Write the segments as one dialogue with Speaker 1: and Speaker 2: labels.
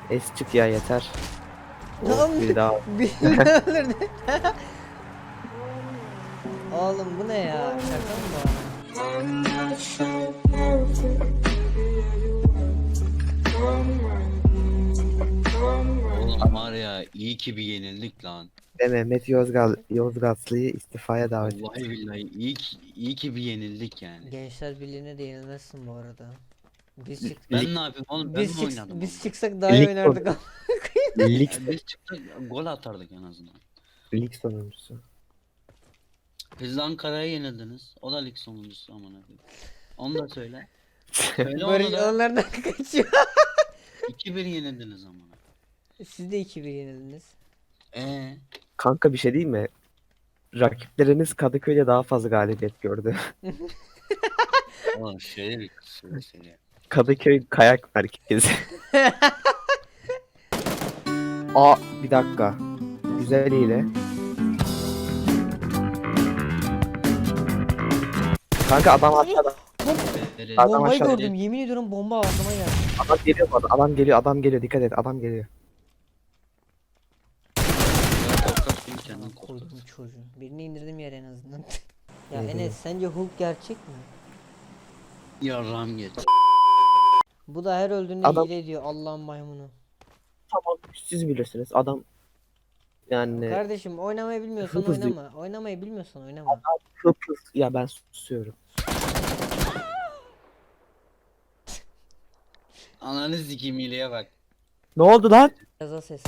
Speaker 1: Es çık ya yeter.
Speaker 2: Tamam.
Speaker 1: Oh, bir daha.
Speaker 2: Birini öldürdü. Oğlum bu ne ya? Şaka mı bu?
Speaker 3: Oğlum var ya iyi ki bir yenildik lan.
Speaker 1: Ve Mehmet Yozgatlı'yı istifaya davet etti.
Speaker 3: Vallahi billahi iyi ki bir yenildik yani.
Speaker 2: Gençler Birliği'ne de yenilmezsin bu arada. Biz çık
Speaker 3: Ben ne yapayım oğlum, ben mi
Speaker 2: biz
Speaker 3: oynadım
Speaker 2: biz
Speaker 3: onu?
Speaker 2: çıksak daha iyi
Speaker 1: Lig,
Speaker 2: oynardık ama.
Speaker 1: lig,
Speaker 3: Biz çıktık gol atardık en azından.
Speaker 1: lig sonuncusu.
Speaker 3: Siz de Ankara'ya yenildiniz. O da lig sonuncusu amına koyayım. Onu da söyle. Söyle
Speaker 2: Barış
Speaker 3: onu da.
Speaker 2: onlardan kaçıyor.
Speaker 3: 2-1 yenildiniz amına.
Speaker 2: Siz de 2-1 yenildiniz.
Speaker 1: Kanka bir şey değil mi? Rakiplerimiz Kadıköy'de daha fazla galibiyet gördü.
Speaker 3: Oğlum şöyle bir söyle.
Speaker 1: Kadıköy kayak merkezi. Aa bir dakika. Güzel hile. Kanka adam aşağıda. Adam
Speaker 2: Bombayı
Speaker 1: aşağıda.
Speaker 2: gördüm. Yemin ediyorum bomba aklıma geldi.
Speaker 1: Adam geliyor bu arada. Adam geliyor. Dikkat et. Adam geliyor.
Speaker 3: Korkak değil kendin
Speaker 2: Aman
Speaker 3: korkak.
Speaker 2: koydum çocuğu. Birini indirdim yere en azından. Ya
Speaker 1: Hı hı.
Speaker 2: Enes sence Hulk gerçek mi?
Speaker 3: Yarram geç.
Speaker 2: Bu da her öldüğünde
Speaker 1: Adam-
Speaker 2: hile ediyor Allah'ın maymunu.
Speaker 1: Tamam siz bilirsiniz. Adam yani
Speaker 2: Kardeşim oynamayı bilmiyorsan
Speaker 1: hızlı-
Speaker 2: oynama. Oynamayı bilmiyorsan oynama.
Speaker 1: hıp. Ya ben susuyorum.
Speaker 3: Ananı sikeyim hileye bak.
Speaker 1: Ne oldu lan?
Speaker 2: Gaza ses.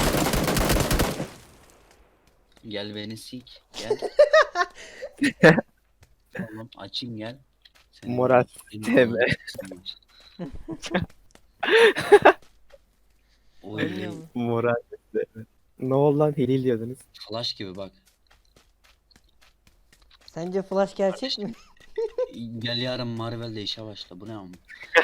Speaker 3: Gel beni sik. Gel. Oğlum açayım gel. Seni
Speaker 1: Moral
Speaker 3: Seni
Speaker 1: sistemi.
Speaker 2: Oynuyor
Speaker 3: Oy.
Speaker 2: mu?
Speaker 1: Moral sistemi. Ne oldu lan? Hilal diyordunuz.
Speaker 3: Flash gibi bak.
Speaker 2: Sence Flash gerçek mi?
Speaker 3: Gel yarın Marvel'de işe başla. Bu ne ama?